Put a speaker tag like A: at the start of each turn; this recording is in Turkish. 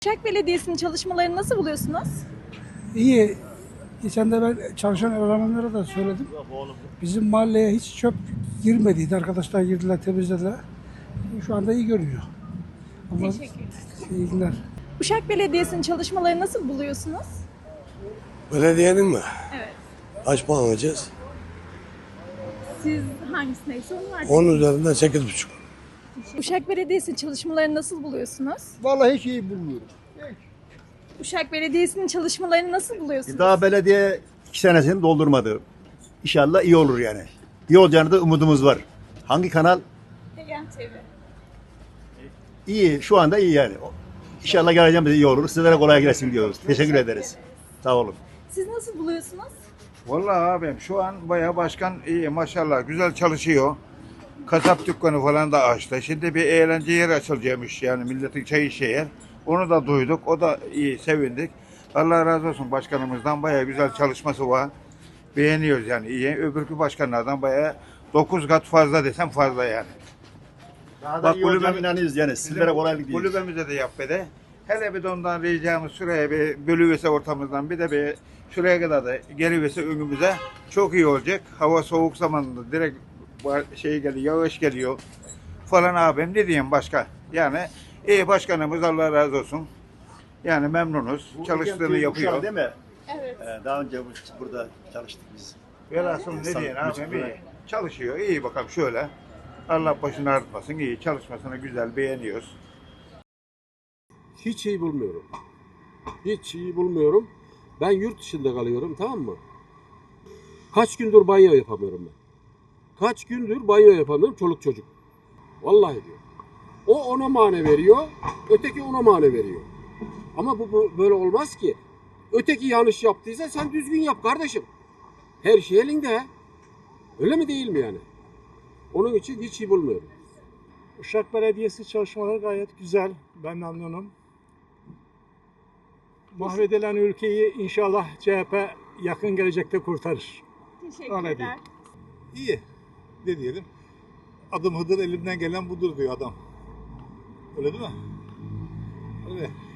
A: Uşak Belediyesi'nin çalışmalarını nasıl buluyorsunuz?
B: İyi. Geçen de ben çalışan elemanlara da söyledim. Bizim mahalleye hiç çöp girmediydi. Arkadaşlar girdiler, temizlediler. Şu anda iyi görünüyor. Ama
A: Teşekkürler.
B: iyi günler.
A: Uşak Belediyesi'nin çalışmalarını nasıl buluyorsunuz?
C: Belediyenin mi?
A: Evet.
C: Kaç puan alacağız?
A: Siz hangisindeyse onu var.
C: 10 üzerinden 8,5.
A: Uşak Belediyesi'nin çalışmalarını nasıl buluyorsunuz?
D: Vallahi hiç iyi bulmuyorum.
A: Uşak Belediyesi'nin çalışmalarını nasıl buluyorsunuz?
D: Daha belediye 2 senesini doldurmadı. İnşallah iyi olur yani. İyi olacağını da umudumuz var. Hangi kanal?
A: Egen TV.
D: İyi, şu anda iyi yani. İnşallah geleceğimiz iyi olur. Sizlere kolay gelsin diyoruz. Teşekkür ederiz. Sağ olun.
A: Siz nasıl buluyorsunuz?
E: Vallahi abim şu an bayağı başkan iyi maşallah güzel çalışıyor. Kasap dükkanı falan da açtı. Şimdi bir eğlence yeri açılacakmış yani milletin çay içeceği yer. Onu da duyduk. O da iyi sevindik. Allah razı olsun başkanımızdan bayağı güzel çalışması var. Beğeniyoruz yani iyi. Öbürkü başkanlardan bayağı 9 kat fazla desem fazla yani.
D: Daha
E: Bak,
D: iyi olacağına
E: kulübem-
D: inanıyoruz yani. Sizlere kolaylık diliyoruz.
E: Kulübemize de yap be de. Hele bir de ondan ricamız şuraya bir bölüverse ortamızdan bir de bir şuraya kadar da geliverse önümüze çok iyi olacak. Hava soğuk zamanında direkt şey geliyor, yağış geliyor falan abim ne diyeyim başka. Yani iyi başkanımız Allah razı olsun. Yani memnunuz.
D: Bu
E: Çalıştığını
D: Egen TV
E: yapıyor.
D: Uşak değil mi?
A: Evet.
D: Daha önce burada çalıştık biz.
E: Velhasıl ne diyeyim abim iyi. Çalışıyor iyi bakalım şöyle. Allah başını ağrıtmasın iyi. Çalışmasını güzel beğeniyoruz.
F: Hiç iyi bulmuyorum. Hiç iyi bulmuyorum. Ben yurt dışında kalıyorum, tamam mı? Kaç gündür banyo yapamıyorum ben. Kaç gündür banyo yapamıyorum çoluk çocuk. Vallahi diyor. O ona mane veriyor, öteki ona mane veriyor. Ama bu böyle olmaz ki. Öteki yanlış yaptıysa sen düzgün yap kardeşim. Her şey elinde. Öyle mi değil mi yani? Onun için hiç iyi bulmuyorum.
G: Uşak Belediyesi çalışmaları gayet güzel. Ben memnunum. Mahvedilen ülkeyi inşallah CHP yakın gelecekte kurtarır.
A: Teşekkürler.
H: İyi. Ne diyelim? Adım Hıdır elimden gelen budur diyor adam. Öyle değil mi? Öyle.